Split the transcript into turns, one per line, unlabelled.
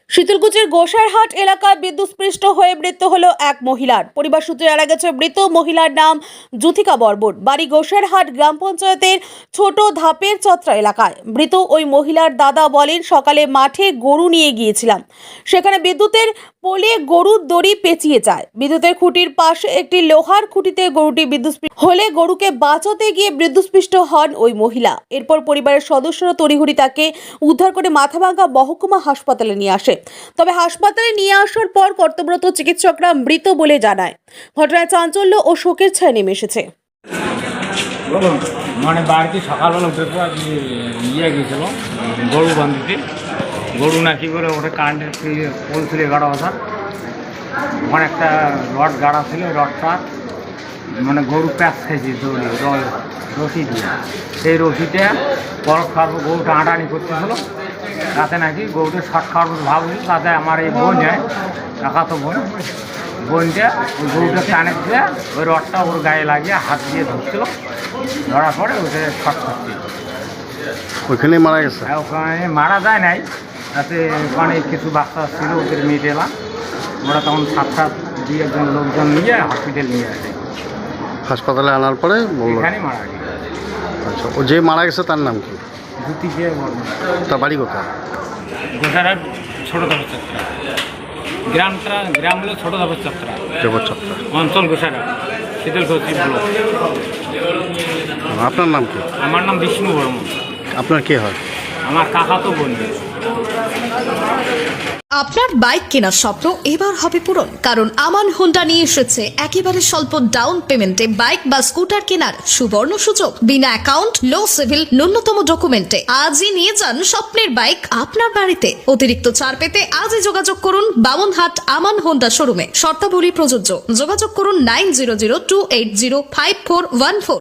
শীতলকুচির গোসাইরহাট এলাকায় বিদ্যুৎস্পৃষ্ট হয়ে মৃত্যু হলো এক মহিলার। পরিবার সূত্রে জানা গেছে মৃত মহিলার নাম জ্যোতিকা বর্মন, বাড়ি গোসাইরহাট গ্রাম পঞ্চায়েতের ছোট ধাপের চত্রা এলাকায়। মৃত ওই মহিলার দাদা বলেন, সকালে মাঠে গরু নিয়ে গিয়েছিলাম, সেখানে বিদ্যুতের পোলে গরুর দড়ি পেঁচিয়ে যায়। বিদ্যুতের খুঁটির পাশে একটি লোহার খুঁটিতে গরুটি বিদ্যুৎস্পৃষ্ট হলে গরুকে বাঁচাতে গিয়ে বিদ্যুৎস্পৃষ্ট হন ওই মহিলা। এরপর পরিবারের সদস্যরা তড়িঘড়ি তাকে উদ্ধার করে মাথাভাঙ্গা মহকুমা হাসপাতালে নিয়ে আসে। তবে হাসপাতালে নিয়ে আসার পর কর্তব্যরত চিকিৎসকরা মৃত বলে জানায়। ঘটনায় চাঞ্চল্য ও শোকের ছায়া নেমে এসেছে।
মানে বাড়িতে সকালবেলা উঠে তো আজকে গিয়েছিল গরু বান্ধিতে। গরু না কি করে ওটা কারেন্টের পোল ছিল 11 বছর, ওখানে একটা রড গাড়া ছিল, রডটা মানে গরু প্যাঁচ খাইছে রশি দিয়ে। সেই রশিটা বরফ খাওয়ার পর গরুটা আটানি করতেছিল। তাতে নাকি গরুটা শর্ট খাওয়ার পর ভাবছিল, তাতে আমার এই বোন যায় কাকাতো বোনটা ওই গরুটা টানে দিয়ে ওই রডটা ওর গায়ে লাগিয়ে হাত দিয়ে ধরছিল। ধরার পরে ওটা শর্ট করছিল,
ওইখানে মারা গেছে।
ওখানে মারা যায় নাই, তাতে ওখানে কিছু বাচ্চা ছিল, ওদের মেয়ে এলাম। ওরা তখন 7 দিয়ে একজন লোকজন নিয়ে হসপিটাল নিয়ে আসে।
হাসপাতালে আনার পরে বললো
এখানে মারা গেছে।
আচ্ছা, ও যে মারা গেছে তার নাম কি?
জ্যোতিকে বর্মন।
তার বাড়ি কোথায়?
গোসাইরহাট ছোটো ধাপের চত্রা। গ্রাম হলো ছোটো ধাপের চত্রা,
দেবচত্রা
অঞ্চল গোসাইরহাট, শীতলকুচি ব্লক।
আপনার নাম কি?
আমার নাম বিষ্ণু বর্মন।
আপনার কে হয়?
আমার কাকাতো বোন।
আপনার বাইক কেনার স্বপ্ন এবার হবে পূরণ, কারণ আমান হোন্ডা নিয়ে এসেছে একেবারে স্বল্প ডাউন পেমেন্টে বাইক বা স্কুটার কেনার সুবর্ণ সুযোগ। বিনা অ্যাকাউন্ট, লো সিভিল, ন্যূনতম ডকুমেন্টে আজই নিয়ে যান স্বপ্নের বাইক আপনার বাড়িতে। অতিরিক্ত ছাড় পেতে আজই যোগাযোগ করুন বামনহাট আমান হোন্ডা শোরুমে। শর্তাবলী প্রযোজ্য। যোগাযোগ করুন 9002805414।